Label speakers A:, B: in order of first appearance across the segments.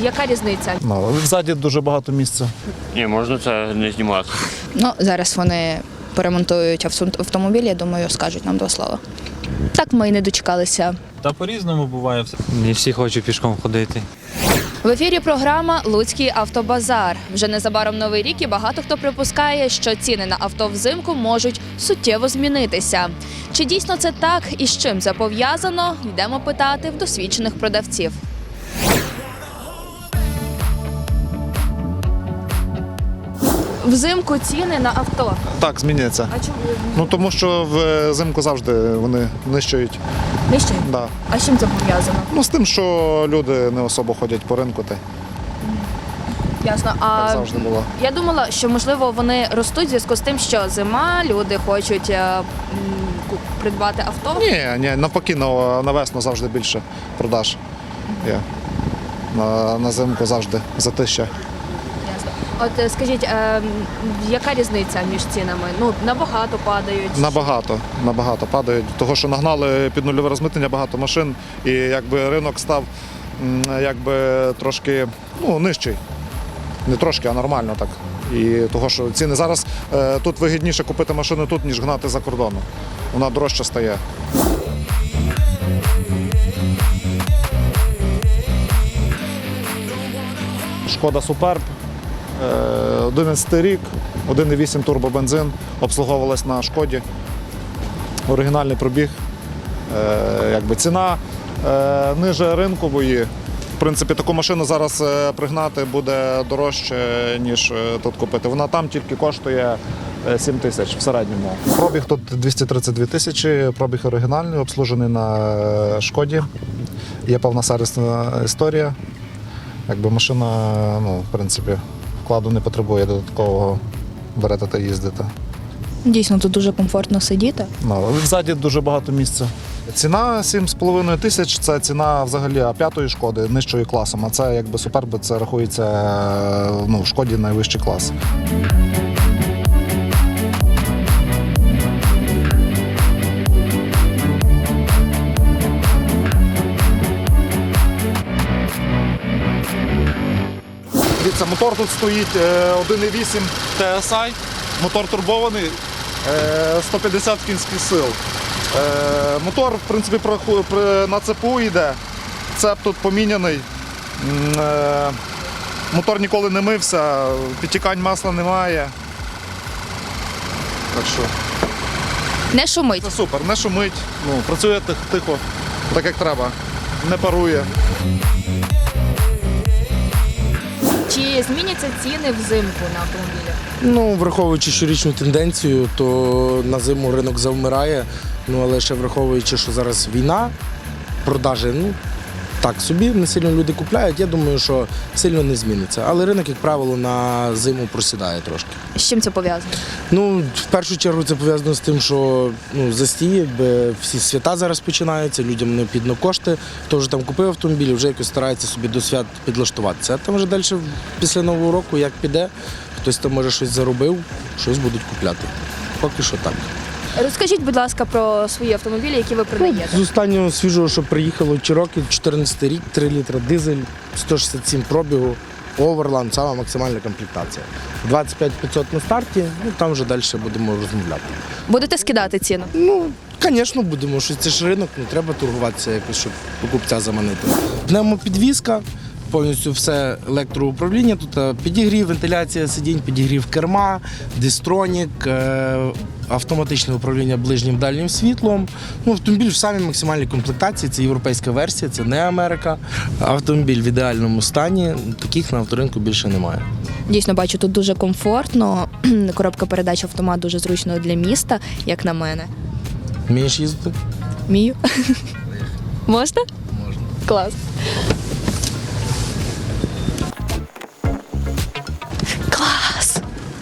A: Яка різниця?
B: Ну, ззаді дуже багато місця.
C: Ні, можна це не знімати.
D: Ну, зараз вони поремонтують автомобіль, я думаю, скажуть нам два слова. Так ми і не дочекалися.
E: Та по-різному буває все.
F: Не всі хочуть пішком ходити.
A: В ефірі програма «Луцький автобазар». Вже незабаром Новий рік і багато хто припускає, що ціни на авто взимку можуть суттєво змінитися. Чи дійсно це так і з чим це пов'язано? Йдемо питати в досвідчених продавців. Взимку ціни на авто.
B: Так, змінюється.
A: А чому
B: Ну тому що взимку завжди вони нищують.
A: нижче?
B: Да.
A: А з чим це пов'язано?
B: Ну з тим, що люди не особо ходять по ринку,
A: Ясно.
B: так
A: А
B: завжди було.
A: я думала, що можливо вони ростуть в зв'язку з тим, що зима, люди хочуть придбати авто.
B: Ні, навпаки, на весну завжди більше продаж є. На зимку завжди затища.
A: Ясно. От скажіть, яка різниця між цінами? Ну, набагато падають.
B: Набагато падають. Того, що нагнали під нульове розмитнення багато машин, і якби ринок став трошки нижчий. Не трошки, а нормально так. І того, що ціни зараз тут вигідніше купити машину тут, ніж гнати за кордону. Вона дорожче стає. Шкода Суперб, 11 рік, 1,8 турбобензин, обслуговувалась на Шкоді. Оригінальний пробіг. Ціна ниже ринкової. В принципі, таку машину зараз пригнати буде дорожче, ніж тут купити. Вона там тільки коштує 7 тисяч в середньому. Пробіг тут 232 тисячі, пробіг оригінальний, обслужений на Шкоді. Є повна сервісна історія. Машина, в принципі, вкладу не потребує додаткового, берете та їздите.
D: Дійсно, тут дуже комфортно сидіти.
B: Ззаді дуже багато місця. Ціна 7,5 тисяч – це ціна взагалі А5 Шкоди, нижчої класом, а це Суперб, це рахується в Шкоді найвищий клас. Дивіться, мотор тут стоїть 1,8 TSI, мотор турбований, 150 кінських сил. Мотор, в принципі, на ЦПУ йде, цеп тут поміняний, мотор ніколи не мився, підтікань масла немає. Так що
A: Не шумить.
B: це супер, не шумить, працює тихо, так як треба, не парує.
A: Чи зміняться ціни взимку на автомобілі?
G: Враховуючи щорічну тенденцію, то на зиму ринок завмирає, але ще враховуючи, що зараз війна, продажі, так собі, не сильно люди купляють, я думаю, що сильно не зміниться. Але ринок, як правило, на зиму просідає трошки.
A: З чим це пов'язано?
G: В першу чергу це пов'язано з тим, що застій, всі свята зараз починаються, людям необхідно кошти. Хто вже там купив автомобіль, вже якось старається собі до свят підлаштуватися. А там вже далі, після Нового року, як піде, хтось там може щось заробив, щось будуть купляти. Поки що так.
A: Розкажіть, будь ласка, про свої автомобілі, які ви продаєте.
G: З останнього свіжого, що приїхало Cherokee, 14 рік, 3 літра дизель, 167 пробігу, Overland, сама максимальна комплектація. 25 500 на старті, там вже далі будемо розмовляти.
A: Будете скидати ціну?
G: Звісно, будемо, що це ж ринок, треба торгуватися якось, щоб покупця заманити. Пневмопідвізка, повністю все електроуправління, тут підігрів, вентиляція сидінь, підігрів керма, дистронік, автоматичне управління ближнім дальнім світлом. Автомобіль в самій максимальній комплектації, це європейська версія, це не Америка. Автомобіль в ідеальному стані, таких на авторинку більше немає.
D: Дійсно, бачу, тут дуже комфортно. Коробка передач автомат дуже зручно для міста, як на мене.
G: Вмієш їздити?
D: Вмію. Можна?
G: Можна.
D: Клас. Клас!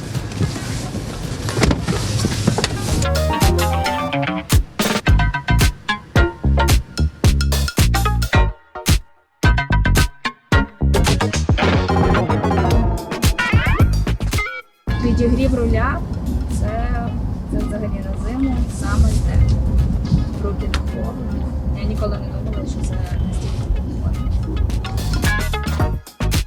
A: Підігрів руля – це взагалі на зиму саме те. Руки на холодно. Я ніколи не думала, що це настільки комфортно.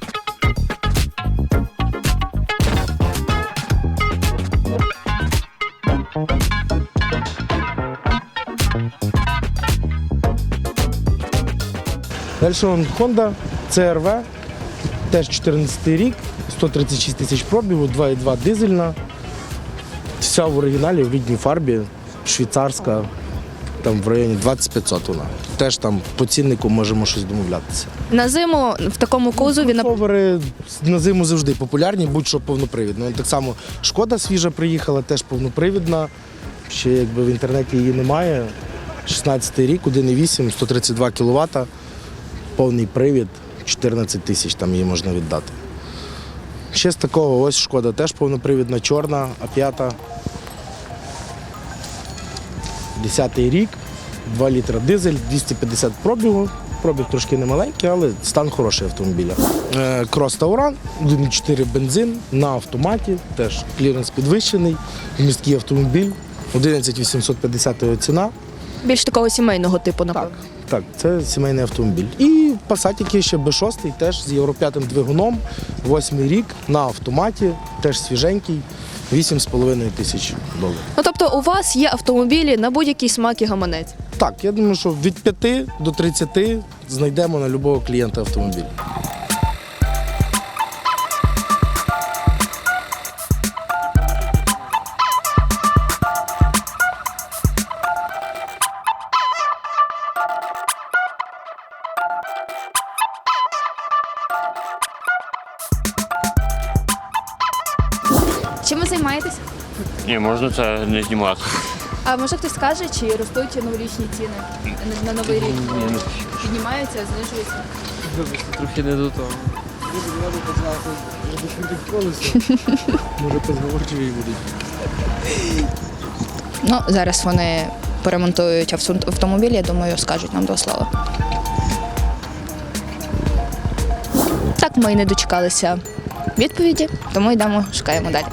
G: Далі Honda CR-V, теж 14 рік, 136 тисяч пробігу, 2,2 дизельна. Вся в оригіналі, в рідній фарбі, швейцарська, там в районі 2500 вона. Теж там по ціннику можемо щось домовлятися.
A: На зиму в такому кузові
G: Кросовери на зиму завжди популярні, будь-що повнопривідно. Так само Шкода свіжа приїхала, теж повнопривідна. Ще якби в інтернеті її немає. 16 рік, 1,8, 132 кВт, повний привід, 14 тисяч там її можна віддати. Ще з такого ось Шкода теж повнопривідна, чорна, А5. 10-й рік, 2 літра дизель, 250 пробігу. Пробіг трошки немаленький, але стан хороший автомобіля. Крос Тауран, 1,4 бензин на автоматі, теж кліренс підвищений, міський автомобіль, 11 850 його ціна.
A: більш такого сімейного типу, напевно.
G: Так, це сімейний автомобіль. І Passat ще B6, теж з Євро 5 двигуном, 8-й рік, на автоматі, теж свіженький, 8,5 тисяч доларів.
A: Ну тобто у вас є автомобілі на будь-який смак і гаманець.
G: Так, я думаю, що від 5 до 30 знайдемо на будь-якого клієнта автомобіль.
A: Чим ви займаєтесь?
C: Ні, можна це не знімати.
A: А може хтось скаже, чи ростуть новорічні ціни на новий рік? Піднімаються, знижуються?
F: Трохи не до того.
G: Може, позговорчиві будуть.
D: Ну, зараз вони поремонтують автомобіль, я думаю, скажуть нам 2 слова. Так ми і не дочекалися відповіді, тому йдемо, шукаємо далі.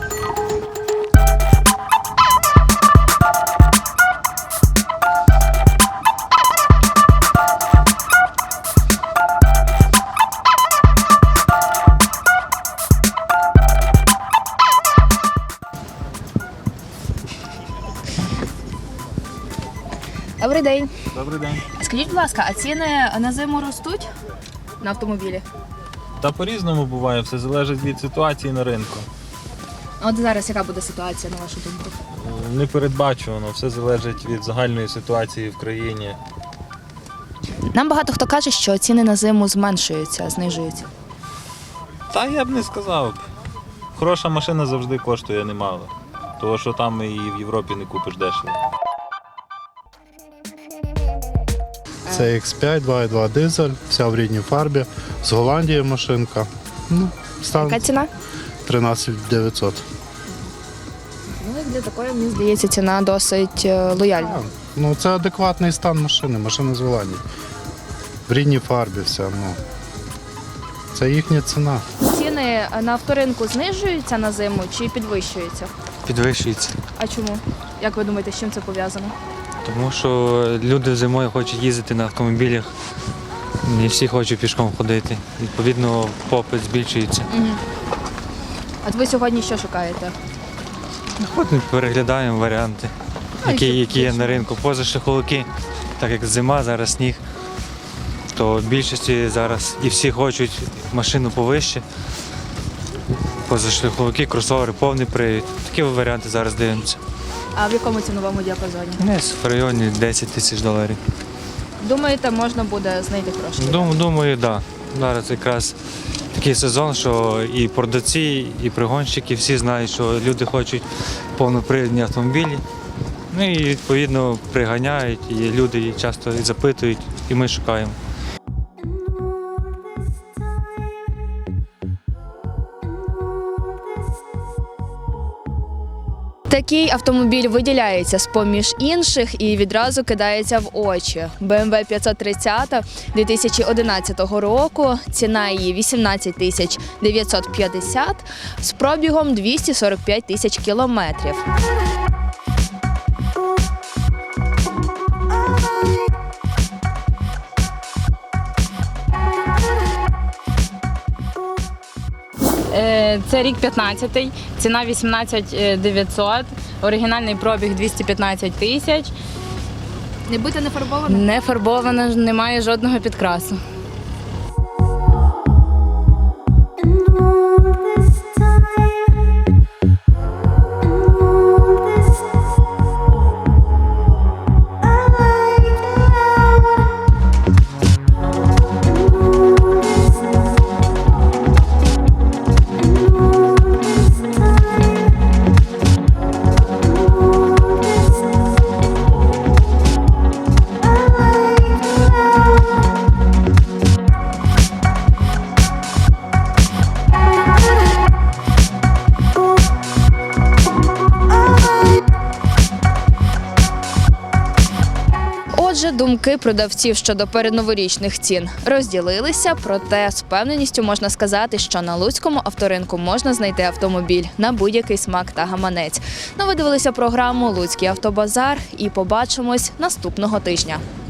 D: Добрий день.
E: Добрий день.
A: Скажіть, будь ласка, а ціни на зиму ростуть на автомобілі?
E: Та по-різному буває, все залежить від ситуації на ринку.
A: От зараз яка буде ситуація, на вашу думку?
E: Непередбачувано, все залежить від загальної ситуації в країні.
D: Нам багато хто каже, що ціни на зиму зменшуються, знижуються.
E: Та я б не сказав. Хороша машина завжди коштує немало. Того, що там і в Європі не купиш дешево.
H: Це X5, 2,2 дизель, вся в рідній фарбі. З Голландії машинка. Ну, стан
D: Яка ціна?
H: 13 900.
D: Ну, для такої, мені здається, ціна досить лояльна.
H: Ну, це адекватний стан машини, машина з Голландії. В рідній фарбі вся. Ну. Це їхня ціна.
A: Ціни на авторинку знижуються на зиму чи підвищуються?
F: Підвищується.
A: А чому? Як ви думаєте, з чим це пов'язано?
F: Тому що люди зимою хочуть їздити на автомобілях, не всі хочуть пішком ходити. Відповідно, попит збільшується.
A: От ви сьогодні що шукаєте?
F: Ходимо, переглядаємо варіанти, які є на ринку. Позашляховики, так як зима, зараз сніг, то в більшості зараз і всі хочуть машину повище. Позашляховики, кросовери, повний привід. Такі варіанти зараз дивимося.
A: А в якому ціновому діапазоні?
F: Десь в районі 10 тисяч доларів.
A: Думаєте, можна буде знайти гроші?
F: Думаю, так. Да. Зараз якраз такий сезон, що і продавці, і пригонщики всі знають, що люди хочуть повнопривідні автомобілі. Ну і відповідно приганяють, і люди часто і запитують, і ми шукаємо.
A: Такий автомобіль виділяється з-поміж інших і відразу кидається в очі. BMW 530 2011 року, ціна її 18 950 з пробігом 245 тисяч кілометрів.
I: Це рік 15-й, ціна 18 900, Оригінальний пробіг 215 тисяч.
A: Не бита, не фарбована?
I: Не фарбована, немає жодного підкрасу.
A: Отже, думки продавців щодо передноворічних цін розділилися, проте з впевненістю можна сказати, що на луцькому авторинку можна знайти автомобіль на будь-який смак та гаманець. Ну, ви дивилися програму «Луцький автобазар» і побачимось наступного тижня.